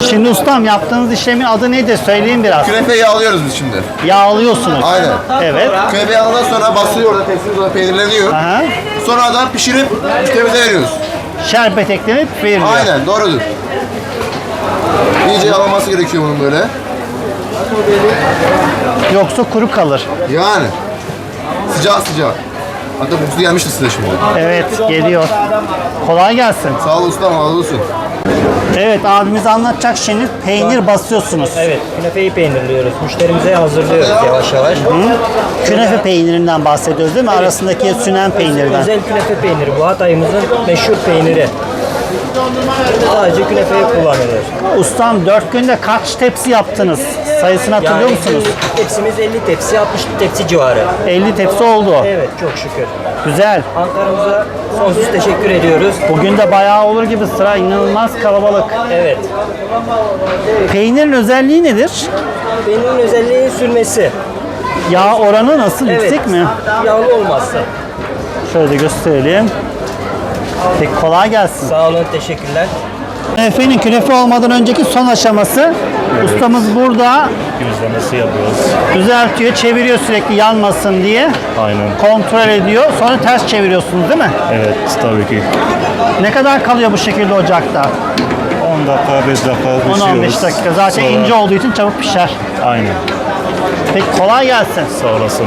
Şimdi ustam yaptığınız işlemin adı nedir? Söyleyin biraz. Künefeyi yağlıyoruz biz şimdi. Yağlıyorsunuz. Aynen. Evet. Künefe yağladıktan sonra basılıyor orada, tepsimiz orada peynirleniyor. Aha. Sonradan pişirip müşterimize veriyoruz. Şerbet eklenip veriliyor. Aynen, doğrudur. İyice yağlanması gerekiyor bunun böyle. Yoksa kuru kalır. Yani. Sıcak sıcak. Hatta kokusu gelmiştir size şimdi. Evet, geliyor. Kolay gelsin. Sağ ol ustam, razı olsun. Evet, abimiz anlatacak şimdi. Peynir basıyorsunuz. Evet, künefeyi peynirliyoruz. Müşterimize hazırlıyoruz yavaş yavaş. Künefe peynirinden bahsediyoruz değil mi? Arasındaki sünen peynirden. Özel künefe peyniri bu. Hatay'ımızın meşhur peyniri. Sadece künefeye kullanılıyor. Ustam 4 günde kaç tepsi yaptınız? Sayısını hatırlıyor musunuz? Tepsimiz 50 tepsi, 60 tepsi civarı. 50 tepsi oldu. Evet, çok şükür. Güzel. Ankara'mıza sonsuz teşekkür ediyoruz. Bugün de bayağı olur gibi, sıra inanılmaz kalabalık. Evet. Peynirin özelliği nedir? Peynirin özelliği sürmesi. Yağ oranı nasıl? Evet. Yüksek mi? Yağlı olmazsa. Şöyle gösterelim. Peki, kolay gelsin. Sağ olun, teşekkürler. Künefenin künefe olmadan önceki son aşaması. Ustamız burada Gözlemesi yapıyoruz. düzeltiyor, çeviriyor sürekli yanmasın diye. Aynen. Kontrol ediyor. Sonra ters çeviriyorsunuz değil mi? Evet, tabii ki. Ne kadar kalıyor bu şekilde ocakta? 10 dakika, 5 dakika pişiriyoruz. 10-15 dakika. Zaten Sonra- ince olduğu için çabuk pişer. Aynen. Peki, kolay gelsin. Sağ olasın.